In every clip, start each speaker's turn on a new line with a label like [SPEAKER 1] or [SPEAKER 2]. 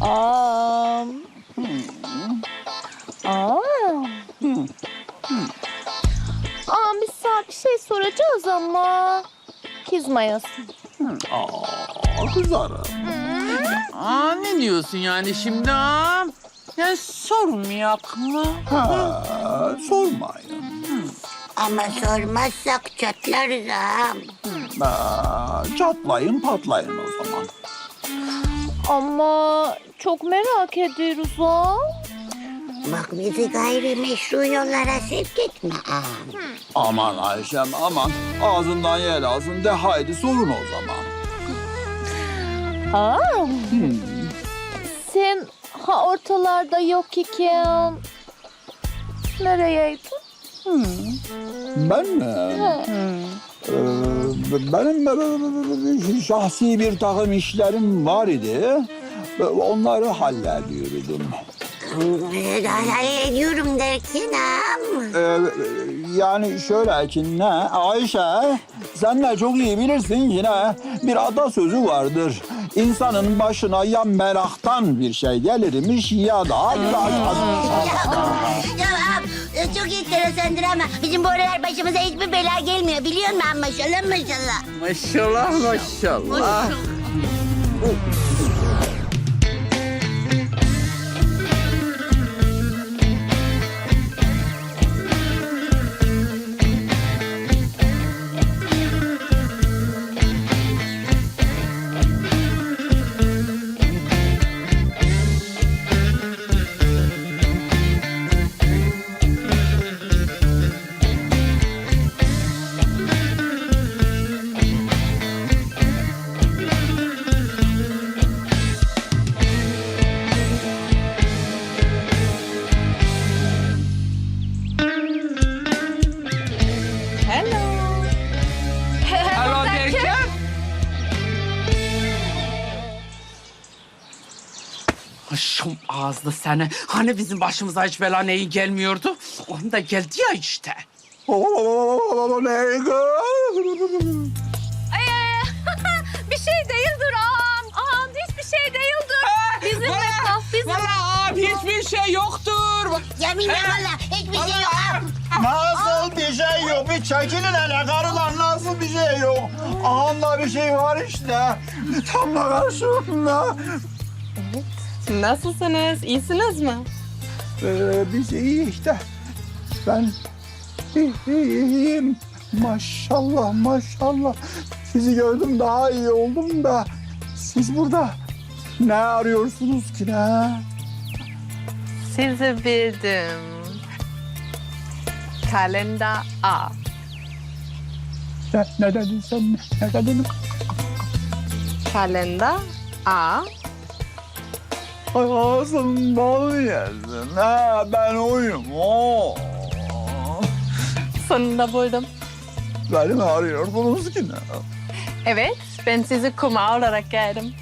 [SPEAKER 1] Aa. Aa. Biz sana bir şey soracağız ama kızmayasın.
[SPEAKER 2] Kızarım.
[SPEAKER 3] Ne diyorsun yani şimdi ha? Ya sormayak mı?
[SPEAKER 2] Sormayın.
[SPEAKER 4] Ama sormazsak çatlarız ağam.
[SPEAKER 2] Çatlayın patlayın o zaman.
[SPEAKER 1] Ama çok merak ediyoruz ha.
[SPEAKER 4] Bak bizi gayrimeşru yollara sevk etme ağam.
[SPEAKER 2] Aman Ayşem aman. Ağzından yel alsın de haydi sorun o zaman.
[SPEAKER 1] Sen ortalarda yok iken nereyeydin?
[SPEAKER 2] Ben mi? Benim şahsi bir takım işlerim var idi. Onları hallediyordum.
[SPEAKER 4] Ediyorum derken ağam.
[SPEAKER 2] Yani şöyle ki ne Ayşe sen de çok iyi bilirsin yine bir atasözü vardır. İnsanın başına ya meraktan bir şey gelirmiş ya da
[SPEAKER 4] Ya ağam çok enteresandır ama bizim bu aralar başımıza hiçbir bela gelmiyor biliyor musun? Maşallah maşallah.
[SPEAKER 3] Maşallah maşallah. Alo derken? Şum ağızlı seni. Hani bizim başımıza hiç bela neyi gelmiyordu? Onun da geldi ya işte.
[SPEAKER 1] Bir şey değildir ağam. Ağam hiçbir şey değildir. Bizimle kal, bizimle.
[SPEAKER 3] Valla abi hiçbir şey yoktur.
[SPEAKER 4] Yeminle valla hiçbir şey yok ağam.
[SPEAKER 2] Nasıl bir şey yok? Bir çekilin hele karılar nasıl bir şey yok? Ağamda bir şey var işte. Tam da karşımda.
[SPEAKER 5] Nasılsınız? İyisiniz mi?
[SPEAKER 2] Biz iyi işte. Ben iyiyim. Maşallah maşallah. Sizi gördüm daha iyi oldum da. Siz burada ne arıyorsunuz ki ne?
[SPEAKER 5] Sizi bildim. Kalender A.
[SPEAKER 2] Ne dedin sen? Ne dedin?
[SPEAKER 5] Kalender A.
[SPEAKER 2] Ağzından yesin. Ha, ben oyum. Oo.
[SPEAKER 5] Sonunda buldum.
[SPEAKER 2] Beni mi arıyordunuz ki ne?
[SPEAKER 5] Evet, ben sizi kuma olarak geldim.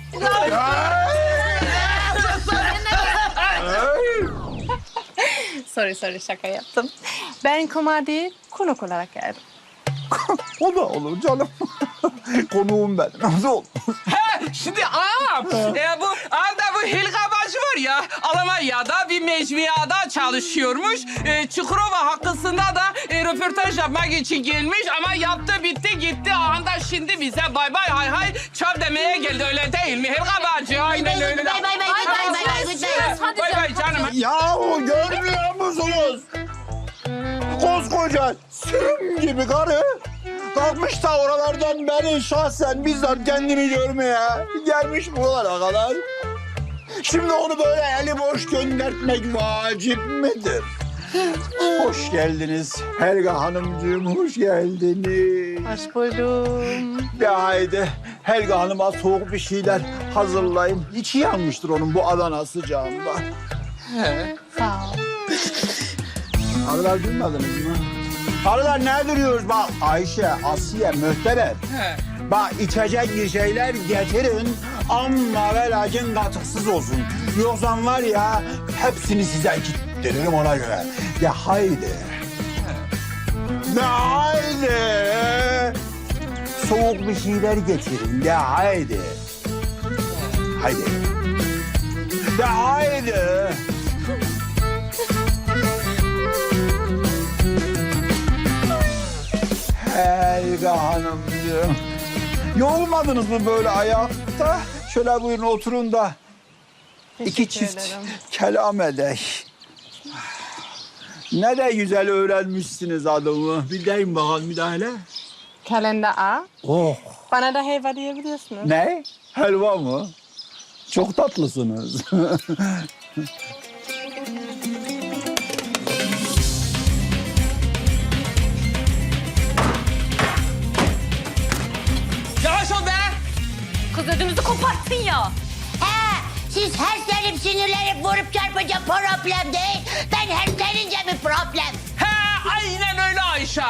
[SPEAKER 5] Sorry, şaka yaptım. Ben kuma değil, konuk olarak geldim.
[SPEAKER 2] O da olur canım. Konuğum benim. Nasıl olur?
[SPEAKER 3] Şimdi ağam, bu anda bu Hilga bacı var ya, Almanya'da bir mecmuada çalışıyormuş. Çukurova hakkında da röportaj yapmak için gelmiş ama yaptı bitti gitti. Anda şimdi bize bay bay hay hay çöp demeye geldi öyle değil mi Hilga bacı? Aynen öyle.
[SPEAKER 4] Bay bay bay bay.
[SPEAKER 3] Bay bay canım.
[SPEAKER 2] Yahu görmüyor musunuz? Koskoca sürüm gibi karı kalkmış da oralardan beni şahsen bizzat kendini görmeye gelmiş buralara kadar. Şimdi onu böyle eli boş göndertmek vacip midir? Hoş geldiniz Helga Hanımcığım, hoş geldiniz.
[SPEAKER 5] Hoş buldum.
[SPEAKER 2] De haydi Helga Hanım'a soğuk bir şeyler hazırlayın. İçi yanmıştır onun bu Adana sıcağında.
[SPEAKER 5] Sağ ol.
[SPEAKER 2] Arılar duymadınız mı? Arılar ne duruyoruz bak Ayşe, Asiye, Möhterem. Bak içecek bir şeyler getirin ama ve lakin katıksız olsun. Yoksa var ya hepsini size gittiririm ona göre. De haydi. De haydi. Soğuk bir şeyler getirin de haydi. Haydi. De haydi. Helga Hanımcığım. Yorulmadınız mı böyle ayakta? Şöyle buyurun oturun da iki
[SPEAKER 5] Teşekkür
[SPEAKER 2] çift
[SPEAKER 5] ederim.
[SPEAKER 2] kelam edek. Ne de güzel öğrenmişsiniz adımı. Bir deyin bakalım bir daha hele.
[SPEAKER 5] Kalender A.
[SPEAKER 2] Oh.
[SPEAKER 5] Bana da helva diyebiliyorsunuz.
[SPEAKER 2] Ne? Helva mı? Çok tatlısınız.
[SPEAKER 3] Yavaş ol be.
[SPEAKER 1] Kız ödümüzü koparttın ya.
[SPEAKER 4] He, siz herslenip sinirlenip vurup çarpınca problem değil. Ben herslenince mi problem?
[SPEAKER 3] He, aynen öyle Ayşe.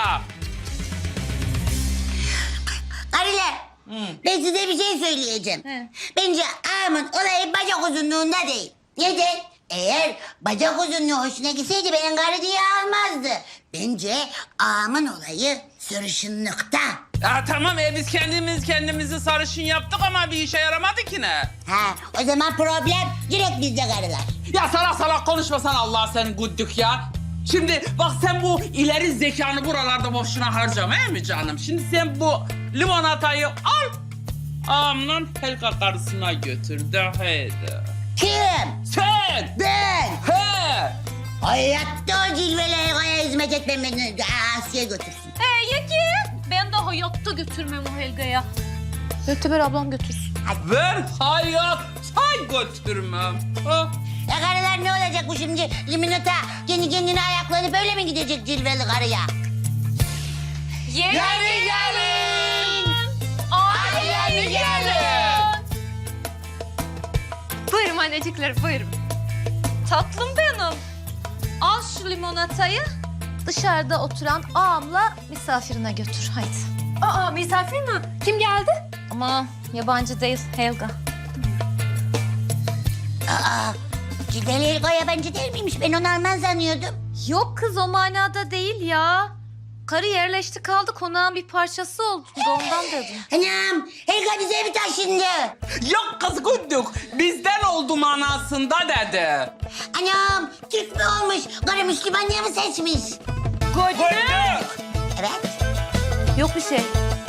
[SPEAKER 4] Arılar, ben size bir şey söyleyeceğim. Bence ağamın olayı bacak uzunluğunda değil. Neden? Eğer bacak uzunluğu hoşuna gitseydi benim karı diye almazdı. Bence ağamın olayı sırışınlıkta.
[SPEAKER 3] Ya tamam biz kendimizi sarışın yaptık ama bir işe yaramadı ki ne?
[SPEAKER 4] Ha, o zaman problem direkt bizde karılar.
[SPEAKER 3] Ya salak salak konuşmasan Allah senin güddük ya. Şimdi bak sen bu ileri zekanı buralarda boşuna harcama değil mi canım? Şimdi sen bu limonatayı al. Ağamla Helga karısına götür de haydi.
[SPEAKER 4] Kim?
[SPEAKER 3] Sen!
[SPEAKER 4] Ben.
[SPEAKER 3] He!
[SPEAKER 4] Hayatta o cilveli Helga'ya hizmet etmem beni. Asiye götürsün.
[SPEAKER 1] Yeki. Ben de hayatta götürmem o Helga'ya. Möhteber ablam götürsün.
[SPEAKER 3] Ben hayatta götürmem. Ha?
[SPEAKER 4] Ya karılar ne olacak bu şimdi? Limonata kendi kendine ayaklanıp böyle mi gidecek cilveli karıya?
[SPEAKER 1] Yeni
[SPEAKER 4] gelin.
[SPEAKER 1] Ay
[SPEAKER 4] yeni
[SPEAKER 1] gelin. Buyurun annecikler buyurun. Tatlım benim. Al şu limonatayı dışarıda oturan ağamla misafirine götür haydi. Aa misafir mi? Kim geldi? Ama yabancı değil Helga.
[SPEAKER 4] Aa, cilveli Helga yabancı değil miymiş? Ben onu Alman sanıyordum.
[SPEAKER 1] Yok kız o manada değil ya. Karı yerleşti kaldı konağın bir parçası oldu ondan dedim.
[SPEAKER 4] Anam, Helga bize mi taşındı?
[SPEAKER 3] Yok kız güddük. Bizden oldu manasında dedi.
[SPEAKER 4] Anam, Türk mü olmuş? Karı Müslüman diye mi seçmiş?
[SPEAKER 3] Güddük.
[SPEAKER 4] Evet.
[SPEAKER 1] Yok bir şey.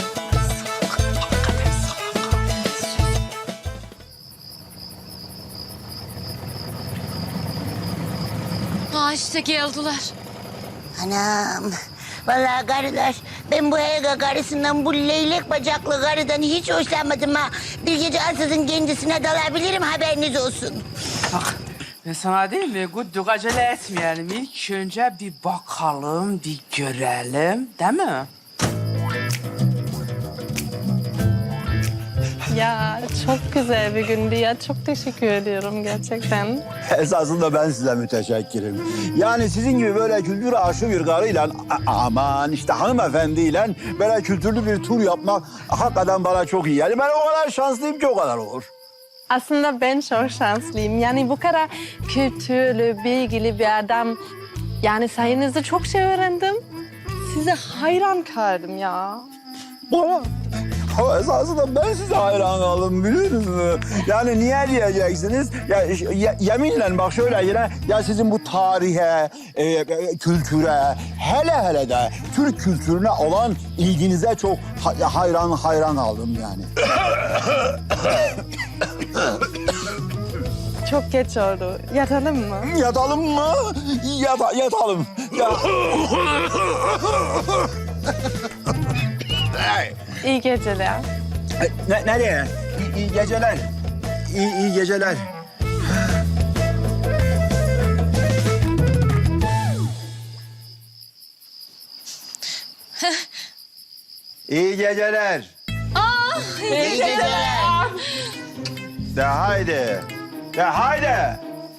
[SPEAKER 1] Ha işte geldiler.
[SPEAKER 4] Anam, vallahi karılar, ben bu Helga karısından, bu leylek bacaklı karıdan hiç hoşlanmadım ha. Bir gece ansızın kendisine dalabilirim, haberiniz olsun.
[SPEAKER 3] Bak ben sana değil mi güddük acele etmeyelim. İlk önce bir bakalım, bir görelim değil mi?
[SPEAKER 5] Ya çok güzel bir gündü ya. Çok teşekkür ediyorum gerçekten.
[SPEAKER 2] Esasında ben size müteşekkirim. Yani sizin gibi böyle kültür aşığı bir karıyla aman işte hanımefendiyle böyle kültürlü bir tur yapmak hakikaten bana çok iyi. Yani ben o kadar şanslıyım ki o kadar olur.
[SPEAKER 5] Aslında ben çok şanslıyım. Yani bu kadar kültürlü, bilgili bir adam. Yani sayenizde çok şey öğrendim. Size hayran kaldım ya.
[SPEAKER 2] Bana ama esasında ben size hayran kaldım biliyor musunuz? Yani niye diyeceksiniz? Yeminle bak şöyle yine ya sizin bu tarihe, kültüre, hele de Türk kültürüne olan ilginize çok hayran kaldım yani.
[SPEAKER 5] Çok geç oldu. Yatalım mı?
[SPEAKER 2] Yatalım mı? Yatalım. Ya.
[SPEAKER 5] İyi geceler.
[SPEAKER 2] Nereye? İyi geceler. İyi geceler. İyi geceler.
[SPEAKER 4] İyi geceler.
[SPEAKER 2] De haydi. De haydi.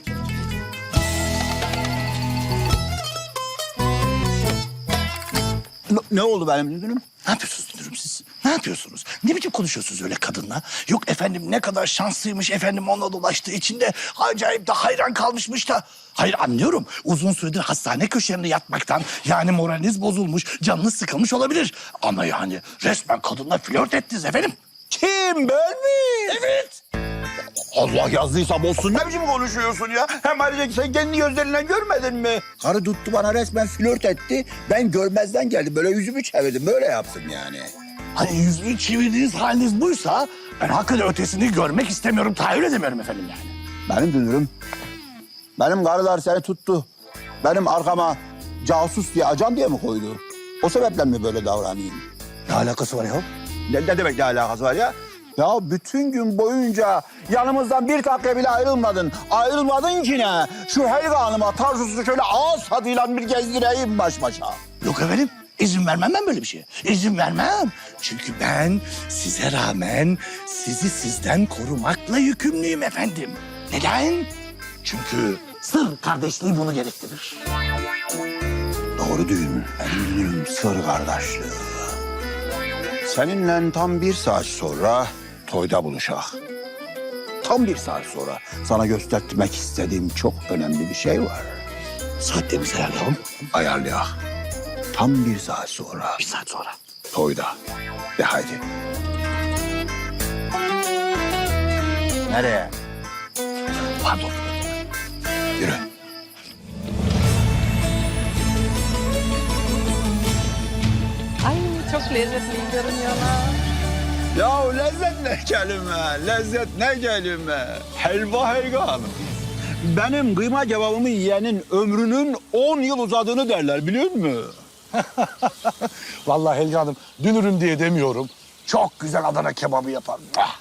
[SPEAKER 2] Ne oldu benim dünürüm?
[SPEAKER 6] Ne yapıyorsunuz dünürüm siz? Ne yapıyorsunuz? Ne biçim konuşuyorsunuz öyle kadınla? Yok efendim ne kadar şanslıymış efendim onunla dolaştığı içinde acayip de hayran kalmışmış da. Hayır anlıyorum. Uzun süredir hastane köşelerinde yatmaktan yani moraliniz bozulmuş, canınız sıkılmış olabilir. Ama yani resmen kadınla flört ettiniz efendim.
[SPEAKER 2] Kim ben mi?
[SPEAKER 6] Evet.
[SPEAKER 2] Allah yazdıysa bozsun, ne biçim konuşuyorsun ya? Hem ayrıca sen kendi gözlerinle görmedin mi? Karı tuttu bana resmen flört etti. Ben görmezden geldim. Böyle yüzümü çevirdim. Böyle yaptım yani.
[SPEAKER 6] Hani yüzünü çevirdiğiniz haliniz buysa ben hakikaten ötesini görmek istemiyorum. Tahayyül edemiyorum efendim yani.
[SPEAKER 2] Benim dünürüm. Benim karılar seni tuttu. Benim arkama casus diye, ajan diye mi koydu? O sebeple mi böyle davranayım?
[SPEAKER 6] Ne alakası var ya?
[SPEAKER 2] Ne demek ne alakası var ya? Ya bütün gün boyunca yanımızdan bir dakika bile ayrılmadın. Ayrılmadın ki ne? Şu Helga Hanım'a Tarsus'u şöyle ağız tadıyla bir gezdireyim baş başa.
[SPEAKER 6] Yok efendim. İzin vermem ben böyle bir şeye. İzin vermem. Çünkü ben size rağmen sizi sizden korumakla yükümlüyüm efendim. Neden? Çünkü sır kardeşliği bunu gerektirir.
[SPEAKER 2] Doğru değil mi? Benim dünürüm sır kardeşliği. Seninle tam 1 saat sonra toyda buluşak. Tam 1 saat sonra sana göstermek istediğim çok önemli bir şey var.
[SPEAKER 6] Saatlerimizi ayarlayalım.
[SPEAKER 2] Ayarlayak. Tam 1 saat sonra
[SPEAKER 6] 1 saat sonra.
[SPEAKER 2] toyda. De haydi. Nereye?
[SPEAKER 6] Pardon.
[SPEAKER 2] Yürü.
[SPEAKER 5] Ay çok lezzetli görünüyorlar.
[SPEAKER 2] Ya lezzet ne kelime, lezzet ne kelime. Helva Helga Hanım. Benim kıyma kebabımı yiyenin ömrünün 10 yıl uzadığını derler biliyor musun?
[SPEAKER 6] Vallahi Helga Hanım dünürüm diye demiyorum. Çok güzel Adana kebabı yapar. Ah!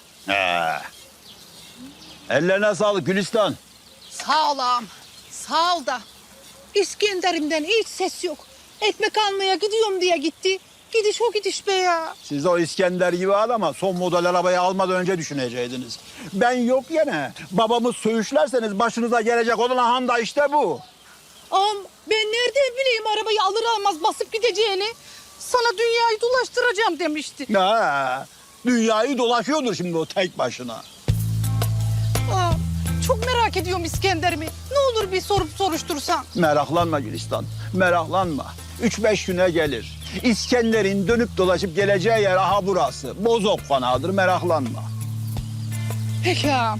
[SPEAKER 2] Ellerine sağlık Gülistan.
[SPEAKER 7] Sağ ol ağam. Sağ ol da. İskender'imden hiç ses yok. Ekmek almaya gidiyorum diye gitti. Gidiş o gidiş be ya.
[SPEAKER 2] Siz o İskender gibi adama son model arabayı almadan önce düşüneceydiniz. Ben yok yine. Babamı söğüşlerseniz başınıza gelecek olan han da işte bu.
[SPEAKER 7] Ağam ben nereden bileyim arabayı alır almaz basıp gideceğini. Sana dünyayı dolaştıracağım demişti.
[SPEAKER 2] Ha, dünyayı dolaşıyordur şimdi o tek başına.
[SPEAKER 7] Ağam çok merak ediyorum İskender'imi. Ne olur bir sorup soruştursan.
[SPEAKER 2] Meraklanma Gülistan, meraklanma. 3-5 güne gelir. İskender'in dönüp dolaşıp geleceği yer aha burası. Bozok fanadır, meraklanma.
[SPEAKER 7] Peki ağam.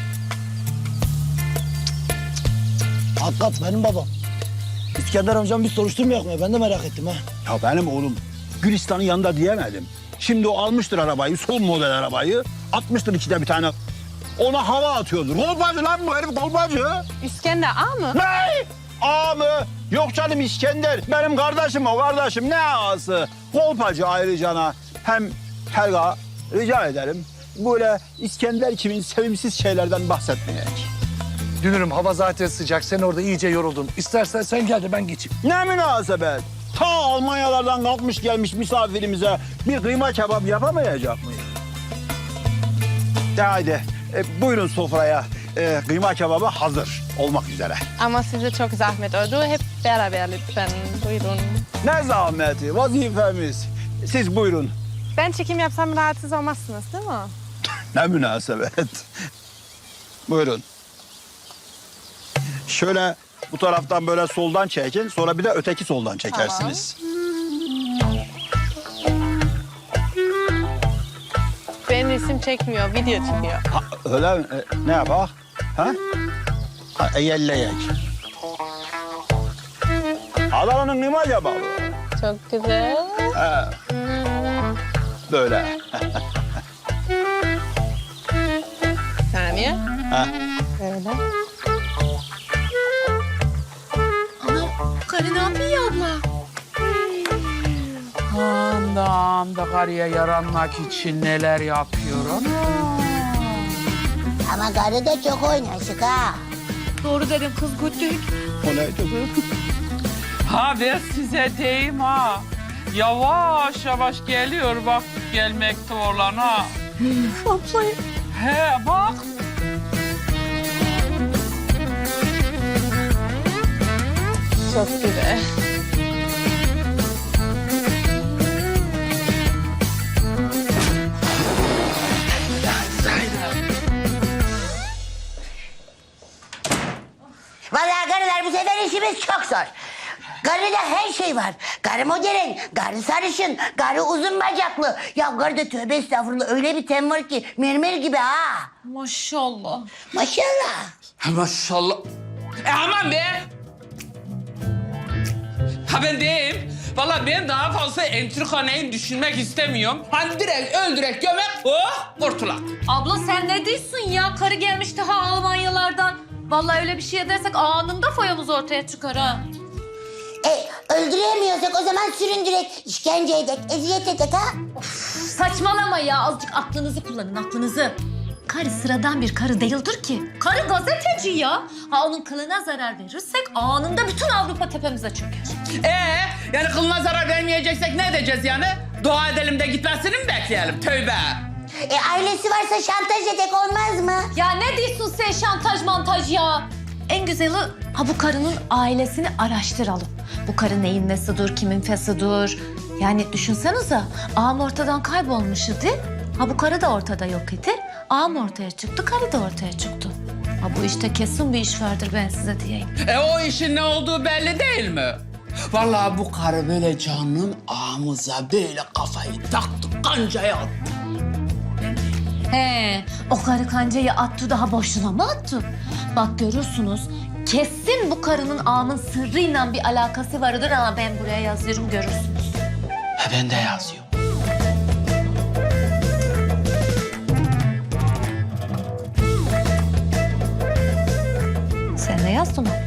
[SPEAKER 8] Hakikat benim babam. İskender amcam bir soruşturmayak mı? Ben de merak ettim ha.
[SPEAKER 2] Ya benim oğlum Gülistan'ın yanında diyemedim. Şimdi o almıştır arabayı, son model arabayı. Atmıştır içine bir tane. Ona hava atıyordur. Kolpacı lan bu herif, kolpacı.
[SPEAKER 5] İskender ağa mı?
[SPEAKER 2] Ne? Ağa mı? Yok canım İskender. Benim kardeşim o kardeşim. Ne ağası? Kolpacı ayrıcana. Hem Helga rica ederim. Böyle İskender kimin sevimsiz şeylerden bahsetmeyek.
[SPEAKER 6] Dünürüm hava zaten sıcak. Sen orada iyice yoruldun. İstersen sen gel de ben geçeyim.
[SPEAKER 2] Ne münasebet? Ta Almanyalardan kalkmış gelmiş misafirimize bir kıyma kebap yapamayacak mıyız? De haydi buyurun sofraya. Kıyma kebabı hazır olmak üzere.
[SPEAKER 5] Ama size çok zahmet oldu. Hep beraber lütfen. Buyurun.
[SPEAKER 2] Ne zahmeti, vazifemiz. Siz buyurun.
[SPEAKER 5] Ben çekim yapsam rahatsız olmazsınız değil mi?
[SPEAKER 2] Ne münasebet. Buyurun. Şöyle bu taraftan böyle soldan çekin. Sonra bir de öteki soldan çekersiniz.
[SPEAKER 5] Benim resim çekmiyor, video çekiyor.
[SPEAKER 2] Ha, öyle mi? Ne yapak? Ha? Ha, yelleyek. Adana'nın kıyma kebabı.
[SPEAKER 5] Çok güzel.
[SPEAKER 2] Ha. Böyle.
[SPEAKER 5] Saniye.
[SPEAKER 2] Ha.
[SPEAKER 5] Öyle.
[SPEAKER 7] Karı ne yapıyor abla?
[SPEAKER 3] Anam da karıya yaranmak için neler yapıyorum.
[SPEAKER 4] Ama karı da çok oynaşık ha.
[SPEAKER 7] Doğru dedim kız güttük.
[SPEAKER 2] O neydi?
[SPEAKER 3] Ha ben size deyim ha. Yavaş yavaş geliyor bak gelmekte olan ha.
[SPEAKER 7] Abla
[SPEAKER 3] He bak.
[SPEAKER 5] Çok güzel.
[SPEAKER 4] Vallahi karılar bu sefer işimiz çok zor. Karıda her şey var. Karı modern, karı sarışın, karı uzun bacaklı. Ya karıda tövbe estağfurullah öyle bir ten var ki mermer gibi ha.
[SPEAKER 1] Maşallah.
[SPEAKER 4] Maşallah.
[SPEAKER 3] Maşallah. Aman be. Ha ben deyim. Vallahi ben daha fazla entrikaneyi düşünmek istemiyorum. Hani direkt öldürek gömek, oh kurtulak.
[SPEAKER 1] Abla sen ne diyorsun ya? Karı gelmiş daha Almanyalardan. Vallahi öyle bir şey edersek anında foyamız ortaya çıkar ha.
[SPEAKER 4] Öldüremiyorsak o zaman süründürek, işkence edek, eziyet edek ha.
[SPEAKER 1] Saçmalama ya. Azıcık aklınızı kullanın, aklınızı. Karı sıradan bir karı değildir ki. Karı gazeteci ya. Ha onun kılına zarar verirsek anında bütün Avrupa tepemize çöker.
[SPEAKER 3] Yani kılına zarar vermeyeceksek ne edeceğiz yani? Dua edelim de gitmesini mi bekleyelim? Tövbe.
[SPEAKER 4] Ailesi varsa şantaj edek olmaz mı?
[SPEAKER 1] Ya ne diyorsun sen şantaj mantaj ya? En güzeli ha bu karının ailesini araştıralım. Bu karı neyin nesidir, kimin fesidir? Yani düşünsenize ağam ortadan kaybolmuş idi. Ha bu karı da ortada yok idi. Ağam ortaya çıktı, karı da ortaya çıktı. Ha bu işte kesin bir iş vardır ben size diyeyim.
[SPEAKER 3] O işin ne olduğu belli değil mi? Vallahi bu karı böyle canım ağamıza böyle kafayı taktı, kancaya attı.
[SPEAKER 1] He, o karı kancayı attı daha boşuna mı attı? Bak görürsünüz kesin bu karının ağamın sırrıyla bir alakası vardır ama ben buraya yazıyorum görürsünüz.
[SPEAKER 3] Ben de yazıyorum.
[SPEAKER 1] Sen ne yazdın o?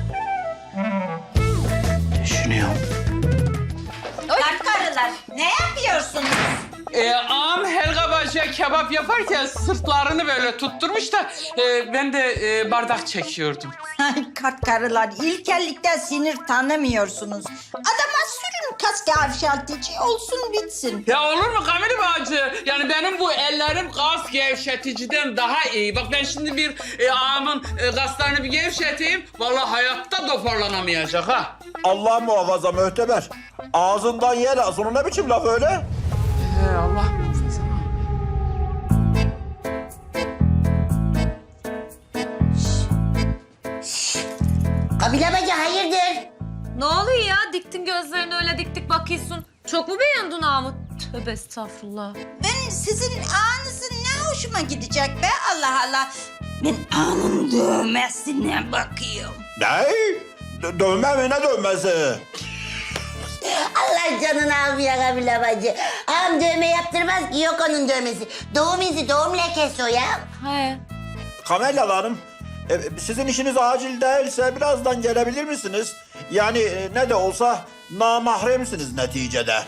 [SPEAKER 3] Düşünüyorum.
[SPEAKER 9] Karılar ne yapıyorsunuz?
[SPEAKER 3] Ağam Helga Bacı'ya kebap yaparken sırtlarını böyle tutturmuş da ben de bardak çekiyordum.
[SPEAKER 9] Ay karılar ilkellikten sinir tanımıyorsunuz. Adama sürün kas gevşetici olsun bitsin.
[SPEAKER 3] Ya olur mu Kamil Bacı? Yani benim bu ellerim kas gevşeticiden daha iyi. Bak ben şimdi bir ağamın kaslarını bir gevşeteyim. Vallahi hayatta toparlanamayacak ha.
[SPEAKER 2] Allah muhafaza Möhteber. Ağzından yer al. Sonu ne biçim laf öyle?
[SPEAKER 3] Allah muhafaza.
[SPEAKER 4] Kabile bacı hayırdır?
[SPEAKER 1] Ne oluyor ya? Diktin gözlerini öyle dik bakıyorsun. Çok mu beğendin ağamı? Tövbe estağfurullah.
[SPEAKER 9] Ben sizin ağınızın ne hoşuma gidecek be Allah Allah. Ben ağanın dövmesine bakıyorum.
[SPEAKER 2] Ne? Dövme mi ne dövmesi?
[SPEAKER 4] Allah canını almıyor kabile bacı. Ağam dövme yaptırmaz ki yok onun dövmesi. Doğum izi, doğum lekesi o ya.
[SPEAKER 1] He.
[SPEAKER 2] Kamelya Hanım, sizin işiniz acil değilse birazdan gelebilir misiniz? Yani ne de olsa namahremsiniz neticede.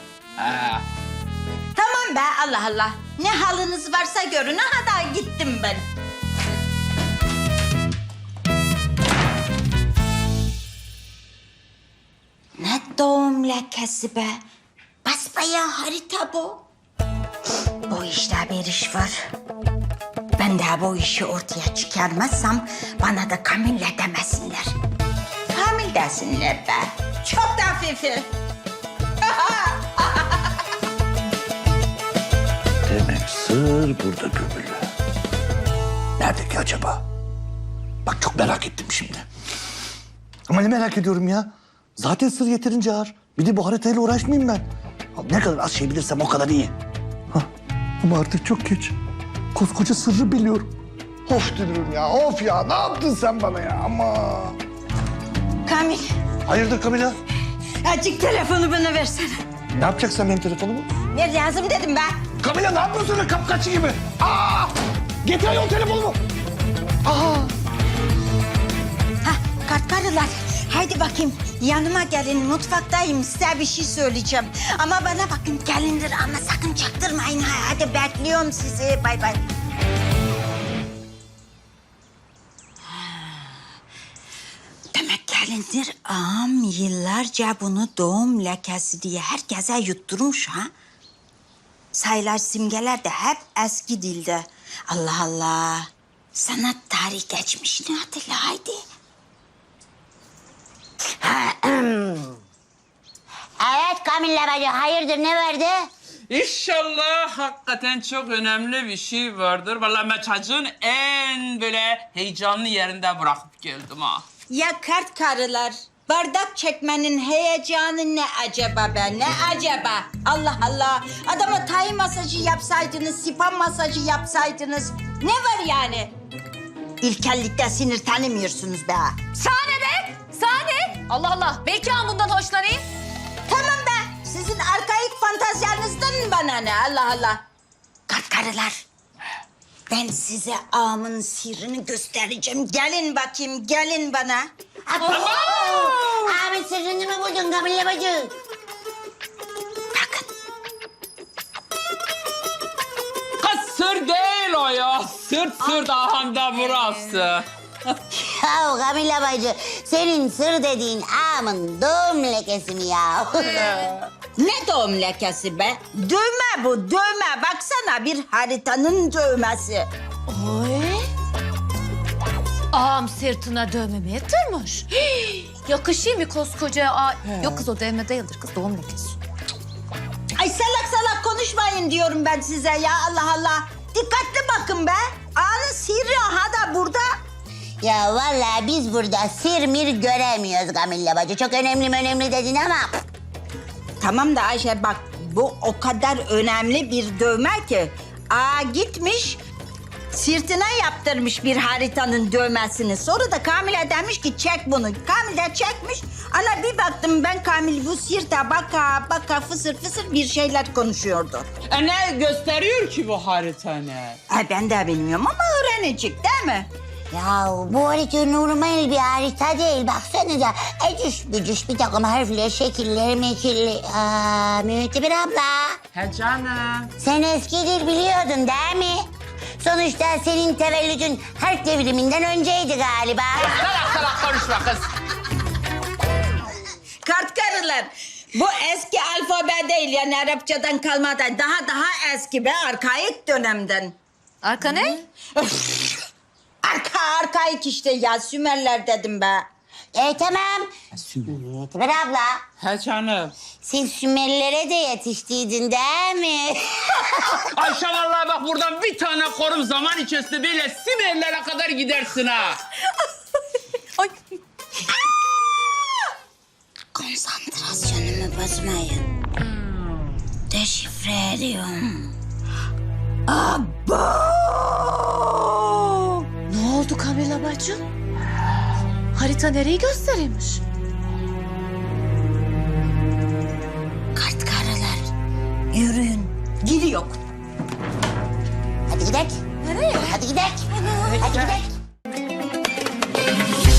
[SPEAKER 9] Tamam be Allah Allah. Ne haliniz varsa görün. Aha da gittim ben. Ne doğum lekesi be. Basbayağı harita bu. Bu işte bir iş var. Ben daha bu işi ortaya çıkarmazsam bana da Kamille demesinler. Kamil desinler be. Çok da hafifi.
[SPEAKER 6] Demek sır burada gömülü. Nerede ki acaba? Bak çok merak ettim şimdi. Ama ne merak ediyorum ya? Zaten sır yeterince ağır. Bir de bu haritayla uğraşmayayım ben. Ne kadar az şey bilirsem o kadar iyi. Hah, ama artık çok geç. Koskoca sırrı biliyorum. Of Dünürüm ya, of ya. Ne yaptın sen bana ya? Ama.
[SPEAKER 9] Kamil,
[SPEAKER 6] Hayırdır Kamila?
[SPEAKER 9] azıcık telefonu bana versene.
[SPEAKER 6] Ne yapacaksın benim telefonumu?
[SPEAKER 9] Ver lazım dedim ben.
[SPEAKER 6] Kamila ne yapıyorsun öyle kapkaççı gibi? Aa! Getir ayol telefonumu. Aa!
[SPEAKER 9] Kartkarılar, haydi bakayım. Yanıma gelin, mutfaktayım. Size bir şey söyleyeceğim. Ama bana bakın, gelindir ama sakın çaktırmayın. Hadi bekliyorum sizi. Bay bay. Demek gelindir ağam yıllarca bunu doğum lekesi diye herkese yutturmuş ha. Sayılar, simgeler de hep eski dilde. Allah Allah. Sanat tarihi geçmişini hatırla haydi.
[SPEAKER 4] Evet Kamille bacı hayırdır ne verdi?
[SPEAKER 3] İnşallah hakikaten çok önemli bir şey vardır. Vallahi ben çocuğun en böyle heyecanlı yerinde bırakıp geldim ha.
[SPEAKER 9] Ya kart karılar, bardak çekmenin heyecanı ne acaba be? Ne acaba? Allah Allah. Adama tay masajı yapsaydınız, spa masajı yapsaydınız. Ne var yani? İlkellikte sinir tanımıyorsunuz be.
[SPEAKER 1] Sahne be! Sahne! Allah Allah. Belki ağam bundan hoşlanayım.
[SPEAKER 9] Tamam be. Sizin arkaik fantazyanızdan bana ne? Allah Allah. Kartkarılar. Ben size ağamın sırrını göstereceğim. Gelin bakayım, gelin bana.
[SPEAKER 4] Abi sırrını mı buldun Kamilla bacı?
[SPEAKER 9] Bakın.
[SPEAKER 3] Kız sır değil o ya. Sırt ahanda burası.
[SPEAKER 4] Ya Kamilla bacı, senin sır dediğin ağamın doğum lekesi mi ya?
[SPEAKER 9] Ne doğum lekesi be? Dövme bu, dövme. Baksana bir haritanın dövmesi.
[SPEAKER 1] Ağam sırtına dövmemi yatırmış. Yakışıyor mu koskoca ağa? Yok kız o dövme değildir kız doğum lekesi.
[SPEAKER 9] Ay salak salak konuşmayın diyorum ben size ya Allah Allah. Dikkatli bakın be. Ağanın sırrı aha da burada.
[SPEAKER 4] Ya vallahi biz burada sır mir göremiyoruz Kamilla bacı. Çok önemli dedin ama...
[SPEAKER 9] Tamam da Ayşe bak bu o kadar önemli bir dövme ki. Ağa gitmiş sırtına yaptırmış bir haritanın dövmesini. Sonra da Kamil'e demiş ki çek bunu. Kamil de çekmiş. Ana bir baktım ben Kamil bu sırta baka fısır fısır bir şeyler konuşuyordu.
[SPEAKER 3] Ne gösteriyor ki bu harita ne?
[SPEAKER 9] Ay ben de bilmiyorum ama öğrenecek değil mi?
[SPEAKER 4] Ya bu harita normal bir harita değil. Baksanıza ecüş bücüş bir takım harfler, şekiller, mekiller. Mütebir abla.
[SPEAKER 3] He canım.
[SPEAKER 4] Sen eskidir biliyordun değil mi? Sonuçta senin tevellüdün harf devriminden önceydi galiba.
[SPEAKER 3] Salak konuşma kız.
[SPEAKER 9] Kartkarılar bu eski alfabe değil yani Arapçadan kalmadan daha eski be arkaik dönemden.
[SPEAKER 1] Arka ne?
[SPEAKER 9] Arkaik işte ya Sümerler dedim be.
[SPEAKER 4] Tamam. Mütebir abla.
[SPEAKER 3] He canım.
[SPEAKER 4] Sen Sümerlere de yetiştiydin değil mi?
[SPEAKER 3] Ayşe vallahi bak buradan bir tane korum zaman içerisinde böyle Simerlere kadar gidersin ha.
[SPEAKER 1] Ay.
[SPEAKER 4] Konsantrasyonumu bozmayın. Deşifre ediyorum.
[SPEAKER 1] Ne oldu Kamila bacı? Harita nereyi gösteriyormuş?
[SPEAKER 4] Kartkarılar yürüyün.
[SPEAKER 9] Gidiyor.
[SPEAKER 4] Hadi gidelim.
[SPEAKER 1] Nereye?
[SPEAKER 4] Hadi gidelim. Hadi gidelim.